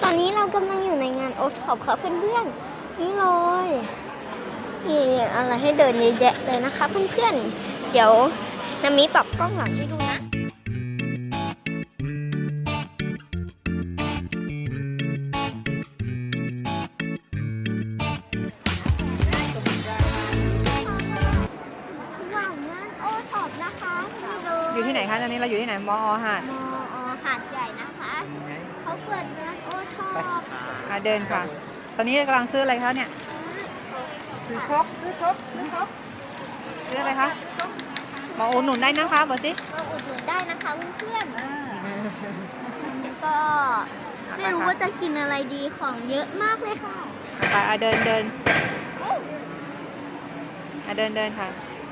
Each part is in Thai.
อนนี้เรากำลังอยู่ในงานโอท็อปค่ะเพื่อนๆนี่เลยมีอะไรให้เดินเยอะแยะเลยนะคะเพื่อนๆเดี๋ยวนามิปรับกล้องหลังให้ดูนะว่างงานโอท็อปนะคะอยู่ที่ไหนคะตอนนี้เราอยู่ที่ไหนมอหาดมอหาดใหญ่นะคะเขาเปิดงานโอท็อปเดินค่ะ ตอนนี้กำลังซื้ออะไรคะเนี่ยซื้อครกซื้ออะไรคะมาอุดหนุนได้นะคะบอกสิมาอุดหนุนได้นะคะเพื่อนๆก็ไม่รู้ว่าจะกินอะไรดีของเยอะมากเลยค่ะไปเดินเดินค่ะ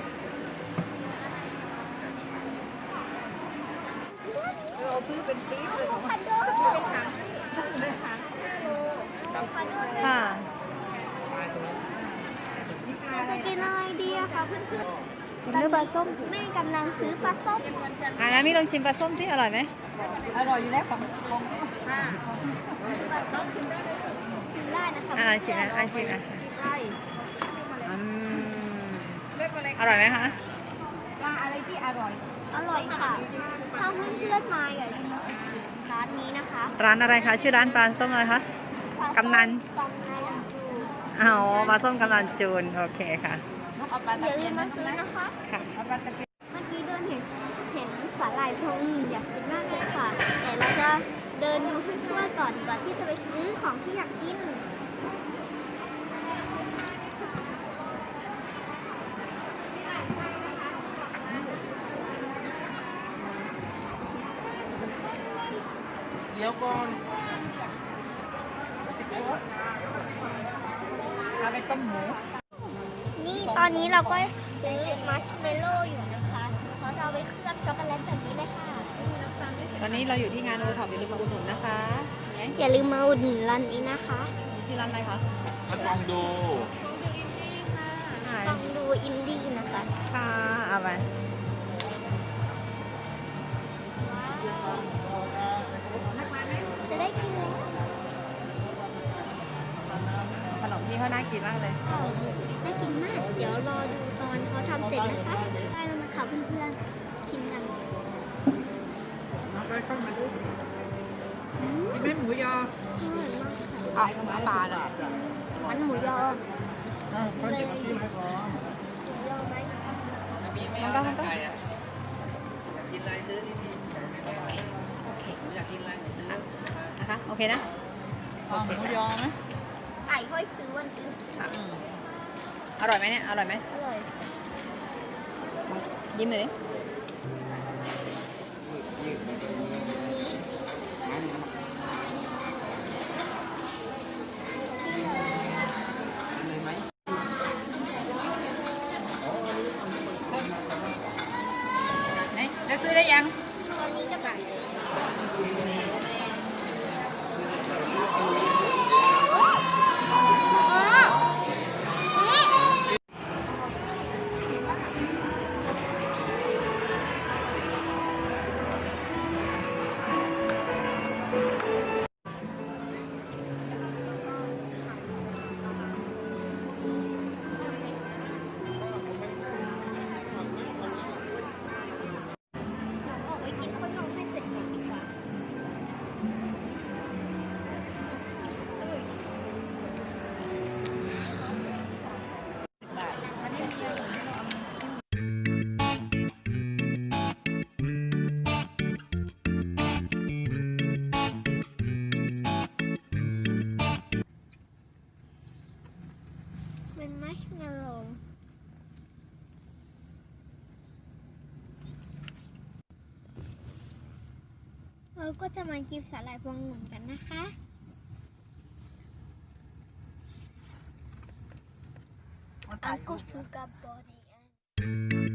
เราซื้อเป็นปี๊บเลยค่ะจะกินอะไรดีอะคะเพื่อนๆกินด้วยปลาส้มแม่กำลังซื้อปลาส้มนะมิลองชิมปลาส้มที่อร่อยไหมอร่อยอยู่แล้วของชิมได้นะคะชิมนะอร่อยไหมคะปลาอะไรที่อร่อยค่ะถ้าเพื่อนๆมาอย่าลืมร้านนี้นะคะร้านอะไรคะชื่อร้านปลาส้มอะไรคะกำนันปลาส้มกำนันจูนโอเคค่ะอย่าลืมมาซื้อนะคะค่ะเมื่อกี้เดินเห็นสาหร่ายพวงอยากกินมากเลยค่ะแต่เราจะเดินดูทั่วๆก่อนที่จะไปซื้อของที่อยากกินเดี๋ยวก่อนเอาไปต้มหมูนี่ตอนนี้เราก็ซื้อมัชเมลโล่อยู่นะคะเขาจะเอาไปเคลือบช็อกโกแลตแบบนี้เลยค่ะตอนนี้เราอยู่ที่งานโอท็อปอย่าลืมมาอุดหนุนนะคะอย่าลืมมาอุดหนุนร้านนี้นะคะที่ร้านอะไรคะลองดูต้องดูอินดี้นะคะค่ะเอาไปจะได้กินแล้วขนมที่เขาน่ากินมากเลยน่ากินมากเดี๋ยวรอดูตอนเขาทำเสร็จนะคะได้แล้วนะคะเพื่อนๆชิมกันไปเข้ามาดูกินไหมหมูยอปลาเลยมันหมูยอคนที่มากินไปก่อนหมูยอไหมมันก็กินอะไรซื้อที่อยากกินอะไรนะคะโอเคนะหมูยอไหมไก่ค่อยซื้อวันอื่นอร่อยไหมเนี่ยอร่อยไหมอร่อยยิ้มเลยดิแล้วซื้อได้ยังตอนนี้กำลังซื้เป็นมัชเมลโล่เราก็จะมากินสาหร่ายพวงองุ่นกันนะคะUncle Sugar Body